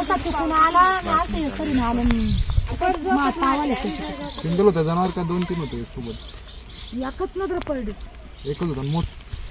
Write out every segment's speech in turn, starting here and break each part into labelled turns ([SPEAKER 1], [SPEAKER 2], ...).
[SPEAKER 1] असा तिकून आला असं करून आलं
[SPEAKER 2] सिंगल होता जनावर का 2-3 होते सोबत?
[SPEAKER 1] एकच नजर पडली.
[SPEAKER 2] एकच होता मोठ.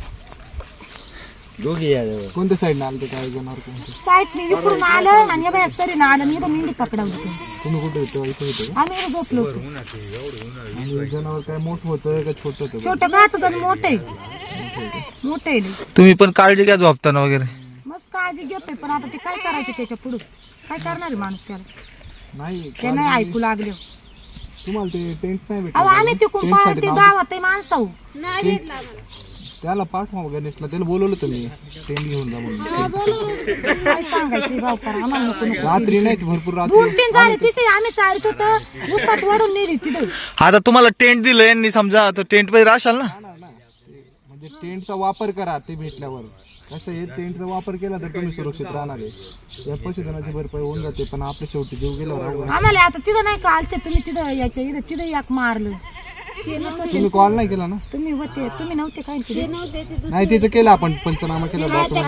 [SPEAKER 3] दोघी
[SPEAKER 2] कोणत्या साईडने आलं ते काय जनावर कोणतं?
[SPEAKER 1] साईडने इकडून आलं आणि बाय सरीनं आलं आणि इथं मेंढी पकडवली.
[SPEAKER 2] तुम्ही कुठे होते? इथे होते का?
[SPEAKER 1] आम्ही इथं झोपलो होतो.
[SPEAKER 2] आणि जनावर काय मोठं होतं का छोटं होतं?
[SPEAKER 1] छोटं गाच होतं मोठे मोठे.
[SPEAKER 4] तुम्ही पण काळजी घ्या झोपताना वगैरे.
[SPEAKER 1] मस्त काळजी घेतोय पण आता ते काय करायचं त्याच्या पुढे काय करणार आहे माणूस त्याला?
[SPEAKER 2] नाही
[SPEAKER 1] ते नाही ऐकू लागले.
[SPEAKER 2] तुम्हाला ते टेंट नाही
[SPEAKER 1] अहो आम्ही तिकून पाळते गावात माणसाऊ
[SPEAKER 2] त्याला पाठवा गणेशला, त्याला बोलवलं तुम्ही टेंट घेऊन जा म्हणून.
[SPEAKER 1] काय सांगायचं भाऊ करा आम्हाला नको नको.
[SPEAKER 2] रात्री नाही भरपूर रात्री
[SPEAKER 1] 2-3 झाले तिथे आम्ही चालत होतो उसात वडून नेली तिथे.
[SPEAKER 4] आता तुम्हाला टेंट दिलं यांनी समजा तर टेंट मध्ये राहशाल ना.
[SPEAKER 2] म्हणजे टेंटचा वापर करा ते भेटल्यावर. कसं आहे टेंटचा वापर केला तर तुम्ही सुरक्षित राहणार आहे. या पशुधनाची भरपाई होऊन जाते पण आपल्या शेवटी जीव गेल्यावर
[SPEAKER 1] आम्हाला आता तिथं नाही का आलते तुम्ही तिथं यायच्या इथं तिथं एक मारलं.
[SPEAKER 2] तुम्ही कॉल नाही केला ना?
[SPEAKER 1] तुम्ही होते तुम्ही नव्हते काय
[SPEAKER 2] नाही त्याचं केलं आपण पंचनामा केला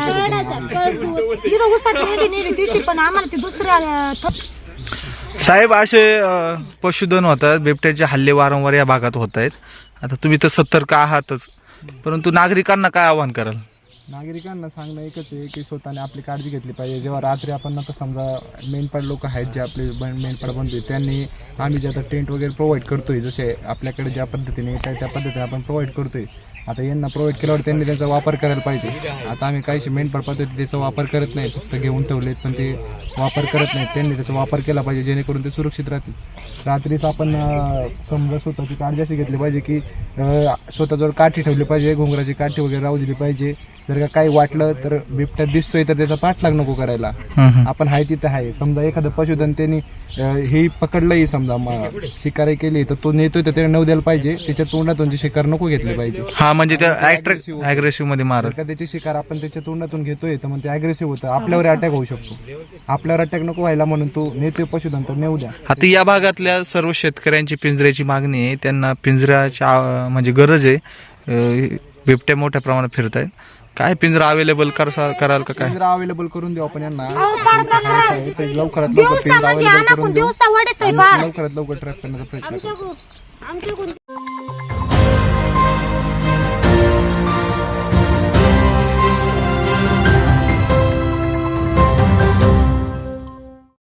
[SPEAKER 1] तिथं उसात नेली नेली दिवशी पण आम्हाला ते दुसऱ्या
[SPEAKER 4] साहेब असे पशुधन होतात, बिबट्याचे हल्ले वारंवार या भागात होत आहेत. आता तुम्ही तर सतर्क आहातच, परंतु नागरिकांना काय आवाहन कराल?
[SPEAKER 2] नागरिकांना सांगणं एकच आहे की स्वतःने आपली काळजी घेतली पाहिजे. जेव्हा रात्री आपण आता समजा मेंढपाळ लोक आहेत जे आपले मेंढपाळ बनतोय त्यांनी आम्ही जे आता टेंट वगैरे प्रोव्हाइड करतोय, जसे आपल्याकडे ज्या पद्धतीने येत आहे त्या पद्धतीने आपण प्रोव्हाइड करतोय. आता यांना प्रोव्हाइड केल्यावर त्यांनी त्यांचा वापर करायला पाहिजे. आता आम्ही काहीशी मेंढपाळ पद्धती त्याचा वापर करत नाही, फक्त घेऊन ठेवलेत पण ते वापर करत नाहीत. त्यांनी त्याचा वापर केला पाहिजे जेणेकरून ते सुरक्षित राहतील. रात्रीच आपण समजा स्वतःची काळजी अशी घेतली पाहिजे की स्वतःजवळ काठी ठेवली पाहिजे, घोंगराची काठी वगैरे राहू दिली पाहिजे. जर का काही वाटलं तर बिबट्या दिसतोय तर त्याचा पाठलाग नको करायला. आपण हाय तिथं आहे. समजा एखादं पशुधन त्यांनी हे पकडलंही समजा शिकारी केली तर तो नेतोय तर त्याने नऊ द्यायला पाहिजे. त्याच्या तोंडातून जी शिकार नको घेतली पाहिजे.
[SPEAKER 4] हा म्हणजे अग्रेसिव्ह मध्ये मार
[SPEAKER 2] का त्याची शिकार आपण त्याच्या तोंडातून घेतोय तर मग ते अग्रेसिव्ह होतं, आपल्यावर अटॅक होऊ शकतो. आपल्यावर अटॅक नको व्हायला म्हणून तो नेतोय पशुधन तर नेऊ द्या.
[SPEAKER 4] आता या भागातल्या सर्व शेतकऱ्यांची पिंजऱ्याची मागणी आहे, त्यांना पिंजऱ्याची म्हणजे गरज आहे. बिबट्या मोठ्या प्रमाणात फिरत आहेत. काय पिंजरा अवेलेबल कराल का? काय
[SPEAKER 2] पिंजरा अवेलेबल करून देऊ आपण यांना. लवकरात लवकर
[SPEAKER 1] दिवसा म्हणजे आम्हाला दिवसा वडतोय
[SPEAKER 2] लवकरात लवकर ट्रॅप करण्याचा प्रयत्न करू.